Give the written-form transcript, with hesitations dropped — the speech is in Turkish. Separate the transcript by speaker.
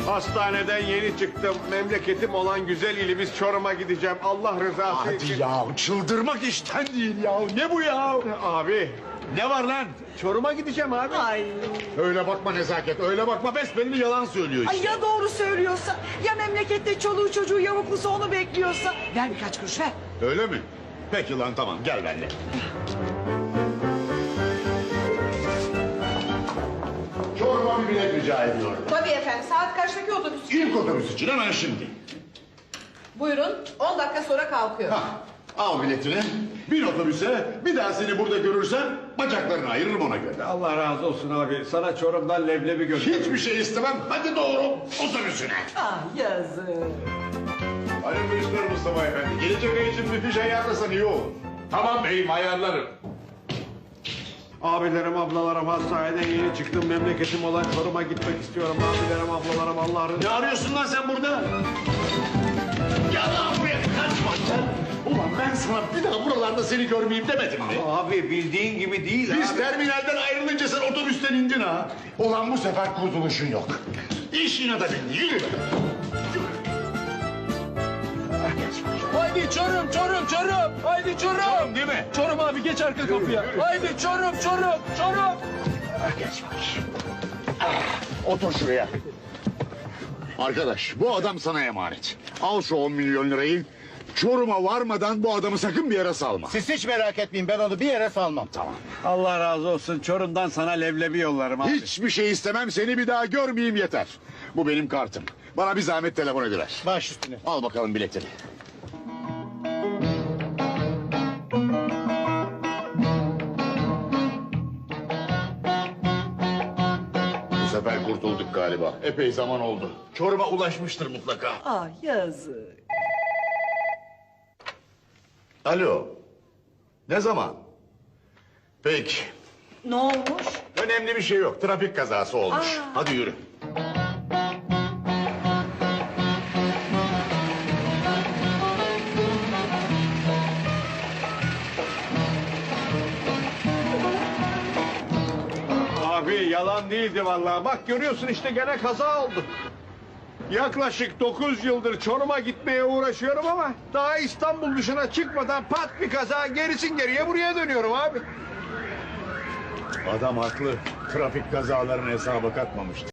Speaker 1: Hastaneden yeni çıktım. Memleketim olan güzel ilimiz Çorum'a gideceğim. Allah rızası için.
Speaker 2: Hadi ya, çıldırmak işten değil ya. Ne bu ya?
Speaker 1: Abi
Speaker 2: Ne var lan?
Speaker 1: Çorum'a gideceğim abi.
Speaker 3: Ay.
Speaker 2: Öyle bakma Nezaket, öyle bakma. Besbelli yalan söylüyor
Speaker 3: Ay
Speaker 2: işte.
Speaker 3: ya doğru söylüyorsa? Ya memlekette çoluğu çocuğu yavuklusu onu bekliyorsa? Ver birkaç kuruş ver.
Speaker 2: Öyle mi? Peki lan, tamam, gel benimle. Çorum'a bir bilet rica ediyorum.
Speaker 4: Tabii efendim. Saat kaçtaki otobüs?
Speaker 2: İlk otobüs için hemen şimdi.
Speaker 4: Buyurun. 10 dakika sonra kalkıyor.
Speaker 2: Hah, al biletini. Bin otobüse, bir daha seni burada görürsem bacaklarını ayırırım ona göre.
Speaker 1: Allah razı olsun abi. Sana Çorum'dan leblebi götür.
Speaker 2: Hiçbir şey istemem. Hadi doğru otobüsüne.
Speaker 3: Ah yazık.
Speaker 2: Hayırlı işler Mustafa Efendi. Gelecek ay için bir fiş ayarlasan iyi olur.
Speaker 5: Tamam beyim, ayarlarım.
Speaker 1: Abilerim, ablalarım, hastaneden yeni çıktım. Memleketim olan Çorum'a gitmek istiyorum. Abilerim, ablalarım, Allah'ın...
Speaker 2: Ne arıyorsun lan sen burada? Gel lan buraya, kaçma sen. Ulan ben sana bir daha buralarda seni görmeyeyim demedim mi?
Speaker 1: Abi bildiğin gibi değil
Speaker 2: Biz
Speaker 1: abi.
Speaker 2: terminalden ayrılınca sen otobüsten indin ha. Ulan bu sefer kurtuluşun yok. İş yine de bindi, yürü.
Speaker 5: Haydi Çorum, Çorum, Çorum. Haydi Çorum.
Speaker 2: Çorum değil mi?
Speaker 5: Çorum abi, geç arka kapıya. Haydi Çorum, Çorum, Çorum.
Speaker 2: Geç bakayım. Otur şuraya. Arkadaş, bu adam sana emanet. Al şu 10 milyon lirayı. Çorum'a varmadan bu adamı sakın bir yere salma.
Speaker 6: Siz hiç merak etmeyin, ben onu bir yere salmam.
Speaker 2: Tamam.
Speaker 1: Allah razı olsun. Çorum'dan sana leblebi yollarım abi.
Speaker 2: Hiçbir şey istemem, seni bir daha görmeyeyim yeter. Bu benim kartım. Bana bir zahmet telefon ediver.
Speaker 6: Baş üstüne.
Speaker 2: Al bakalım biletini. Bu sefer kurtulduk galiba. Epey zaman oldu. Çorum'a ulaşmıştır mutlaka.
Speaker 3: Ah yazık.
Speaker 2: Alo. Ne zaman? Peki.
Speaker 3: Ne olmuş?
Speaker 2: Önemli bir şey yok. Trafik kazası olmuş. Hadi yürü.
Speaker 1: Abi yalan değildi vallahi. Bak görüyorsun işte gene kaza oldu. Yaklaşık 9 yıldır Çorum'a gitmeye uğraşıyorum ama daha İstanbul dışına çıkmadan pat bir kaza, gerisin geriye buraya dönüyorum abi.
Speaker 2: Adam haklı. Trafik kazalarını hesaba katmamıştı.